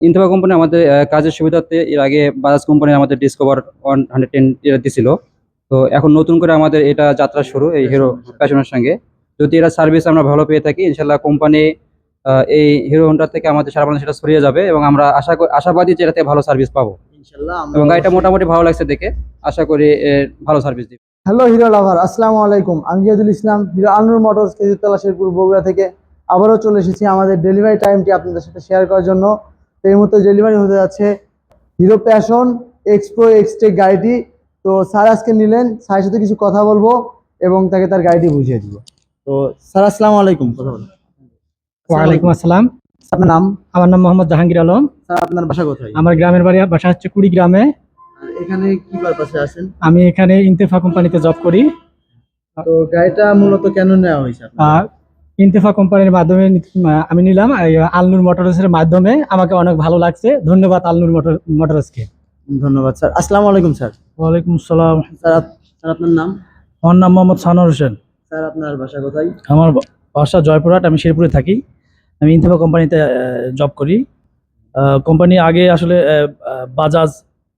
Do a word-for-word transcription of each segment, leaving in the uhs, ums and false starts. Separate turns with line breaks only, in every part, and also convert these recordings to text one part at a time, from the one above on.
ইনথোভা company আমাদের আহ, কাজের সুবিধার্থে এর আগে বাজাজ কোম্পানি আমাদের ডিসকভার ওয়ান হান্ড্রেড টেন এটা দিছিল। তো এখন নতুন করে আমাদের এটা যাত্রা শুরু এই হিরো প্যাশনের সঙ্গে। যদি এরা সার্ভিস আমরা ভালো পেয়ে থাকি, ইনশাল্লাহ কোম্পানি এই হিরো হোন্ডা থেকে আমাদের সারা বাংলাদেশে সেটা ছড়িয়ে যাবে এবং আমরা আশা করি আশাবাদী যে এটাতে ভালো সার্ভিস পাবো।
ইনশাল্লাহ আমরা
এবং গাড়িটা
অবশ্যই-
মোটামুটি ভালো লাগছে দেখে আশা করি এর ভালো সার্ভিস দিবে।
হ্যালো হিরো লাভার, আসসালামু আলাইকুম। আমি জিয়াদুল ইসলাম, হিরো আলনুর মোটরস খেজুরতলা শেরপুর বগুড়া থেকে আবারও চলে এসেছি আমাদের ডেলিভারি টাইমটি আপনাদের সাথে শেয়ার করার জন্য। তো এই মুহূর্তে ডেলিভারি হতে যাচ্ছে হিরো প্যাশন এক্সপ্রো এক্সটেক গাড়িটি। তো স্যার আজকে নিলেন, স্যারের সাথে কিছু কথা বলবো এবং তাকে তার গাড়িটি বুঝিয়ে দিব। তো স্যার আসসালামু আলাইকুম। কথা বলুন।
ওয়ালাইকুম আসসালাম।
আপনার নাম?
আমার নাম মোহাম্মদ জাহাঙ্গীর আলম।
স্যার আপনার বাসা কোথায়?
আমার গ্রামের বাড়ি বাসা হচ্ছে কুড়িগ্রামে।
আর এখানে কি পারপাসে আছেন?
আমি এখানে ইনতেফা কোম্পানিতে জব করি।
তো গাড়িটা মূলত কেন নেওয়া হয়েছে আপনার?
আর ইনতেফা কোম্পানির মাধ্যমে নি- আমি নিলাম এই আলনুর মোটরসের মাধ্যমে। আমাকে অনেক ভালো লাগছে। ধন্যবাদ আলনুর মোটর মোটরসকে।
ধন্যবাদ স্যার। আসসালামু আলাইকুম স্যার।
ওয়ালাইকুম আসসালাম।
স্যার আপ- স্যার আপনার নাম?
আমার নাম মোহাম্মদ সানোর হোসেন।
স্যার আপনার বাসা কোথায়?
আমার বা- বাসা জয়পুরহাট, আমি শেরপুরে থাকি। আমি ইনতেফা কোম্পানিতে জব করি। কোম্পানি আগে আসলে আহ, আহ, বাজাজ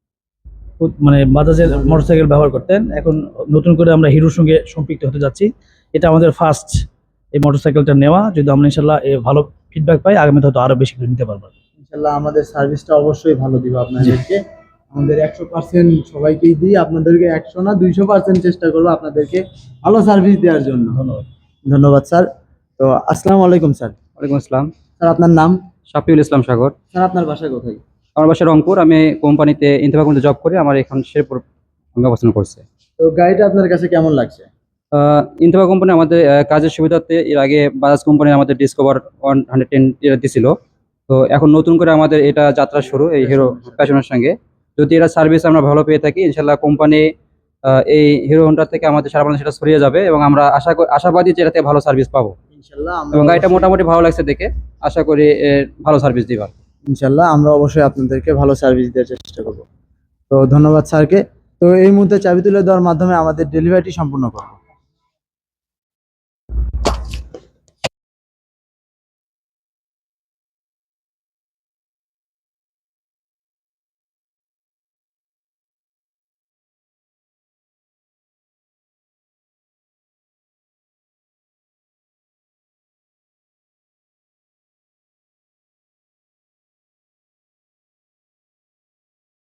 মানে বাজাজের মোটরসাইকেল ব্যবহার করতেন। এখন নতুন করে আমরা হিরোর সঙ্গে সম্পৃক্ত হতে যাচ্ছি। এটা আমাদের ফার্স্ট এই মোটরসাইকেলটা নেওয়া। যদি আমরা ইনশাল্লাহ এ ভালো ফিডব্যাক পাই, আগামীতে হয়তো আরো বেশি করে নিতে পারবো।
ইনশাল্লাহ আমাদের সার্ভিসটা অবশ্যই ভালো দিব আপনাদেরকে। আমাদের একশো পার্সেন্ট সবাইকেই দিই, আপনাদেরকে একশো না দুইশো পার্সেন্ট চেষ্টা করবো আপনাদেরকে ভালো সার্ভিস দেওয়ার জন্য।
ধন্যবাদ।
ধন্যবাদ স্যার। তো আসসালামু আলাইকুম স্যার।
ওয়ালাইকুম আসসালাম।
স্যার আপনার নাম?
শাফিউল ইসলাম সাগর।
স্যার আপনার বাসা কোথায়?
আমার বাসা রংপুর। আমি কোম্পানিতে ইনথোভা কোম্পানিতে জব করি। আমার এখন শেরপুর আমি অবস্থান করছে।
তো গাড়িটা আপনার কাছে কেমন লাগছে?
ইনথোভা কোম্পানি আমাদের আহ, কাজের সুবিধার্থে এর আগে বাজাজ কোম্পানি আমাদের ডিসকভার ওয়ান হান্ড্রেড টেন এটা দিছিল। তো এখন নতুন করে আমাদের এটা যাত্রা শুরু এই হিরো প্যাশনের সঙ্গে। যদি এরা সার্ভিস আমরা ভালো পেয়ে থাকি, ইনশাল্লাহ কোম্পানি এই হিরো হোন্ডা থেকে আমাদের সারা বাংলাদেশে সেটা ছড়িয়ে যাবে এবং আমরা আশা করি আশাবাদী যে এটাতে ভালো সার্ভিস পাবো।
ইনশাল্লাহ আমরা
এবং গাড়িটা
অবশ্যই-
মোটামুটি ভালো লাগছে দেখে আশা করি এর ভালো সার্ভিস দিবা।
ইনশাল্লাহ আমরা অবশ্যই আপনাদেরকে ভালো সার্ভিস দেওয়ার চেষ্টা করবো। তো ধন্যবাদ স্যারকে। তো এই মুহূর্তে চাবি তুলে দেওয়ার মাধ্যমে আমাদের ডেলিভারিটি সম্পূর্ণ করবো।